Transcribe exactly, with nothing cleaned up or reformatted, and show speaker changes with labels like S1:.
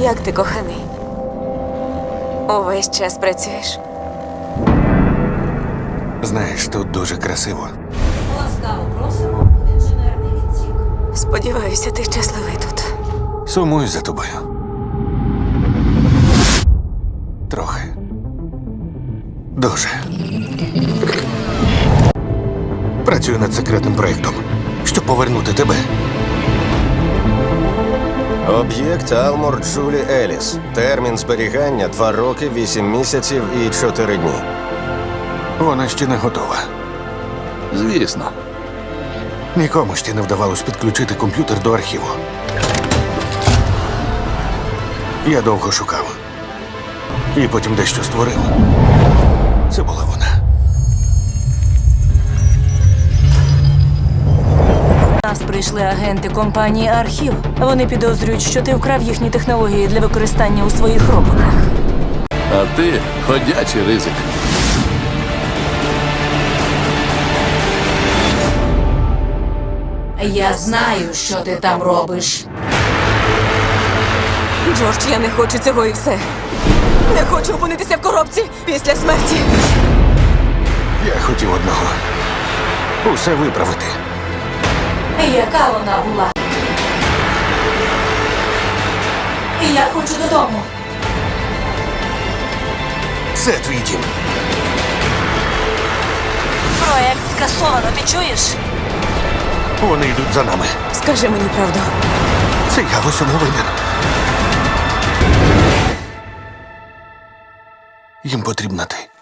S1: Як ти, коханий? Увесь час працюєш?
S2: Знаєш, тут дуже красиво.
S3: Ласкаво просимо в інженерний відсік.
S1: Сподіваюся, ти щасливий тут.
S2: Сумую за тобою. Трохи. Дуже. Працюю над секретним проєктом, щоб повернути тебе.
S4: Об'єкт Алмор Джулі Еліс. Термін зберігання два роки, вісім місяців і чотири дні.
S2: Вона ще не готова.
S5: Звісно.
S2: Нікому ще не вдавалось підключити комп'ютер до архіву. Я довго шукав. І потім дещо створив. Це була вона.
S3: До нас прийшли агенти компанії Архів. Вони підозрюють, що ти вкрав їхні технології для використання у своїх роботах.
S5: А ти ходячий ризик.
S3: Я знаю, що ти там робиш.
S1: Джордж, я не хочу цього і все. Не хочу опинитися в коробці після смерті.
S2: Я хотів одного. Усе виправити.
S3: Яка вона була? Я хочу додому.
S2: Це твій дім.
S3: Проект скасовано, ти чуєш?
S2: Вони йдуть за нами.
S1: Скажи мені правду.
S2: Це я в усьому винен. Їм потрібна ти.